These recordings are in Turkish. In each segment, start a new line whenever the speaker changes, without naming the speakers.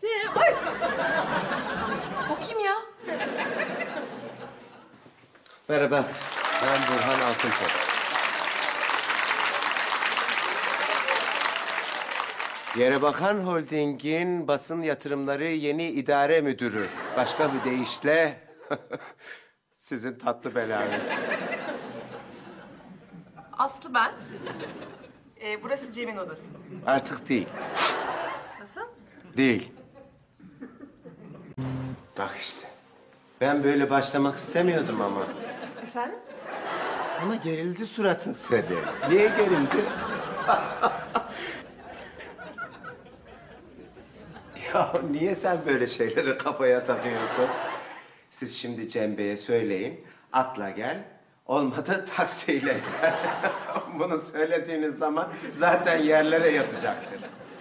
Cem, ay! O kim ya?
Merhaba, ben Burhan Altıntop. Yerebakan Holding'in basın yatırımları yeni idare müdürü. Başka bir deyişle sizin tatlı belanız.
Aslı ben. Burası Cem'in odası.
Artık değil,
Nasıl?
değil. Bak işte, ben böyle başlamak istemiyordum ama.
Efendim?
Ama gerildi suratın seni. Niye gerildi? Ya niye sen böyle şeyleri kafaya takıyorsun? Siz şimdi Cem Bey'e söyleyin, atla gel. Olmadı taksiyle gel. Bunu söylediğiniz zaman zaten yerlere yatacaktır.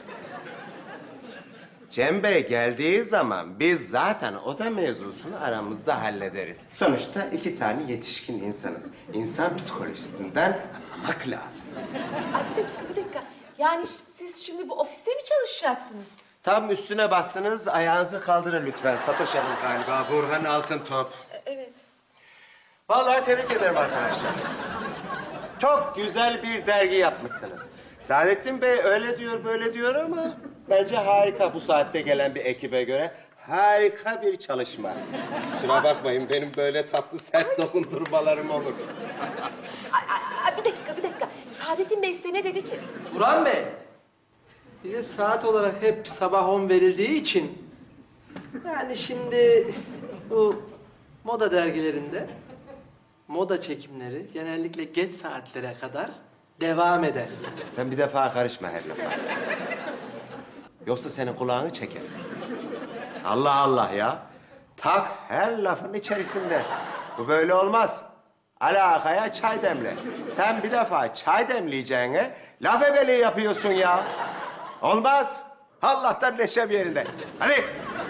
Cem Bey geldiği zaman biz zaten oda mevzusunu aramızda hallederiz. Sonuçta 2 tane yetişkin insanız. İnsan psikolojisinden anlamak lazım.
Ay bir dakika. Yani siz şimdi bu ofiste mi çalışacaksınız?
Tam üstüne bastınız, ayağınızı kaldırın lütfen. Fatoş Hanım galiba, Burhan Altıntop.
Evet.
Vallahi tebrik ederim arkadaşlar. Çok güzel bir dergi yapmışsınız. Saadettin Bey öyle diyor, böyle diyor ama bence harika bu saatte gelen bir ekibe göre. Harika bir çalışma. Kusura bakmayın, benim böyle tatlı sert dokundurmalarım olur.
Ay, bir dakika. Saadettin Bey size ne dedi ki?
Burhan Bey, bize saat olarak hep sabah 10 verildiği için... ...yani şimdi bu moda dergilerinde moda çekimleri genellikle geç saatlere kadar devam eder.
Sen bir defa karışma her lafa. Yoksa senin kulağını çeker. Allah Allah ya. Tak her lafın içerisinde. Bu böyle olmaz. Alakaya çay demle. Sen bir defa çay demleyeceğine laf ebeliği yapıyorsun ya. Olmaz. Allah'tan neşem yerinde. Hadi.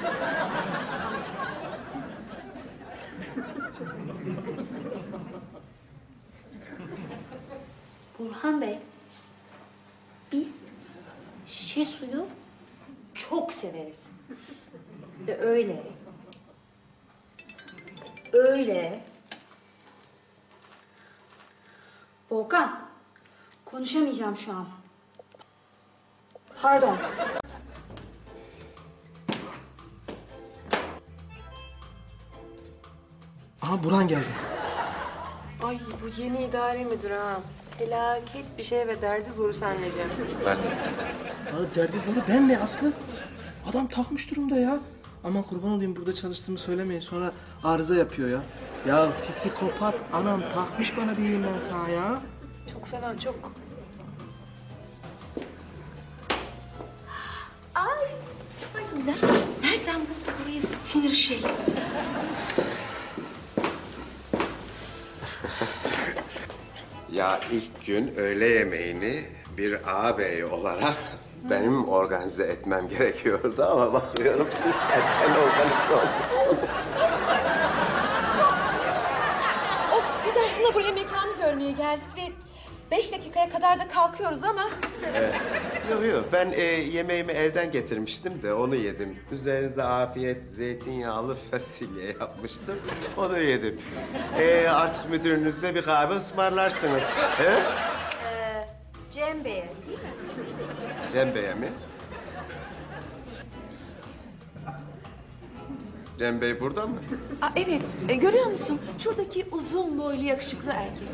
Burhan Bey, biz Şesu'yu çok severiz. Ve öyle.
Volkan, konuşamayacağım şu an. Pardon.
Aha Burhan geldi.
Ay bu yeni idare müdürü ha. Felaket bir şey ve derdi zoru senle Cem.
Ben
Ya derdi zoru ben mi Aslı? Adam takmış durumda ya. Aman kurban olayım burada çalıştığımı söylemeyin sonra arıza yapıyor ya. Ya psikopat anam takmış bana diyeyim ben sana ya.
Çok fena, çok.
Nereden buldu burayı sinir şey?
Ya ilk gün öğle yemeğini bir ağabey olarak benim organize etmem gerekiyordu ama bakıyorum siz erken organize olmuşsunuz.
Biz aslında buraya mekanı görmeye geldik ve 5 dakikaya kadar da kalkıyoruz ama...
Yok ben yemeğimi evden getirmiştim de onu yedim. Üzerinize afiyet zeytinyağlı fasulye yapmıştım. Onu yedim. Artık müdürünüze bir kahve ısmarlarsınız. He?
Cem Bey'e değil mi?
Cem Bey'e mi? Cem Bey burada mı?
Evet, görüyor musun? Şuradaki uzun boylu yakışıklı erkek.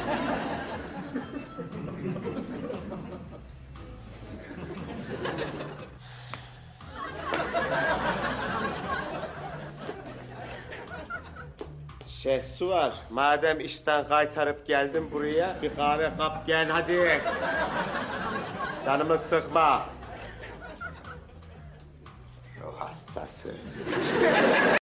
Su var. Madem işten kaytarıp geldim buraya, bir kahve kap gel hadi. Canımı sıkma. Ruh hastası.